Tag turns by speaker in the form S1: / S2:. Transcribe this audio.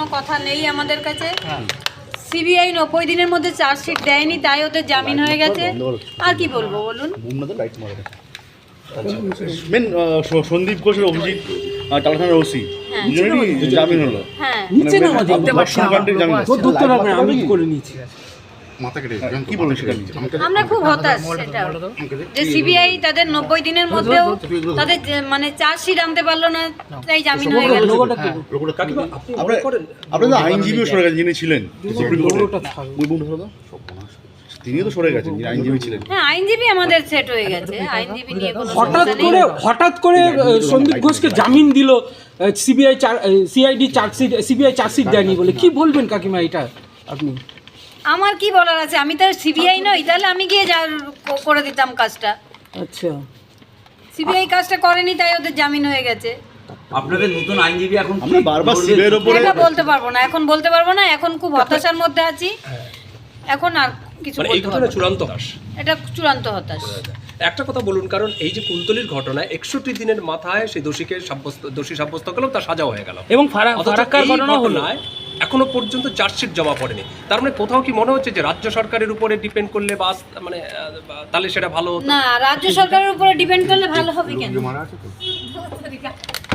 S1: কথা নেই আমাদের কাছে। সিবিআই 90 দিনের মধ্যে চার্জশিট দেয়নি, তাই ওদের জামিন হয়ে গেছে। আর কি বলবো বলুন।
S2: মেন সন্দীপ ঘোষের অভিজিৎ টালাখানার ওসি দুজনেরই জামিন হলো।
S1: হ্যাঁ,
S3: আমি করে নিয়েছি।
S2: কি বলবেন সেটা?
S1: আমরা খুব হতাশ সেটা যে সিবিআই তাদের 90 দিনের মধ্যেও তাদের মানে চার্জশিট আনতে পারলো না, তাই জামিন হয়ে গেল।
S2: আপনাদের আইনজীবীও সরে গেছেন যিনি ছিলেন সুপ্রিম কোর্টে, তিনিও তো সরে গেছেন যিনি আইনজীবী ছিলেন।
S1: হ্যাঁ, আইনজীবী আমাদের সেট হয়ে গেছে, আইনজীবী নিয়ে কোনো সমস্যা নেই।
S3: হঠাৎ করে সন্দীপ ঘোষকে জামিন দিল সিবিআই চার্জশিট দেয়নি বলে। কি বলবেন কাকিমা এটা আপনি?
S1: আমার কি বলার আছে, আমি তো সিবিআই নই, তাহলে আমি গিয়ে করে দিতাম কাজটা।
S3: আচ্ছা,
S1: সিবিআই কাজটা করেনি, তাই ওদের জামিন হয়ে গেছে।
S4: আপনাদের নতুন আইনজীবী এখন
S2: আমরা বারবার সিবিআই এর উপরে
S1: এটা বলতে পারবো না, এখন বলতে পারবো না, এখন খুব হতাশার মধ্যে আছি। এখন আর কিছু
S5: মানে এই
S1: বলতে
S5: ঘটনা
S1: পারবো না।
S5: চূড়ান্ত হতাশ।
S1: এটা চূড়ান্ত হতাশ।
S5: একটা কথা বলুন, কারণ এই যে কুলতলির ঘটনায় 61 দিনের মাথায় সেই দোষী সাব্যস্ত করলাম, তার সাজাও হয়ে গেল।
S3: এবং
S5: অথচ
S3: ফারাক্কার
S5: এই
S3: ঘটনা হলো,
S5: ঘটনায় এখনো পর্যন্ত চার্জশিট জমা পড়েনি। তার মানে কোথাও কি মনে হচ্ছে যে রাজ্য সরকারের উপরে ডিপেন্ড করলে মানে তাহলে সেটা ভালো হতো?
S1: না, রাজ্য সরকারের উপরে ডিপেন্ড করলে ভালো হবে কেন?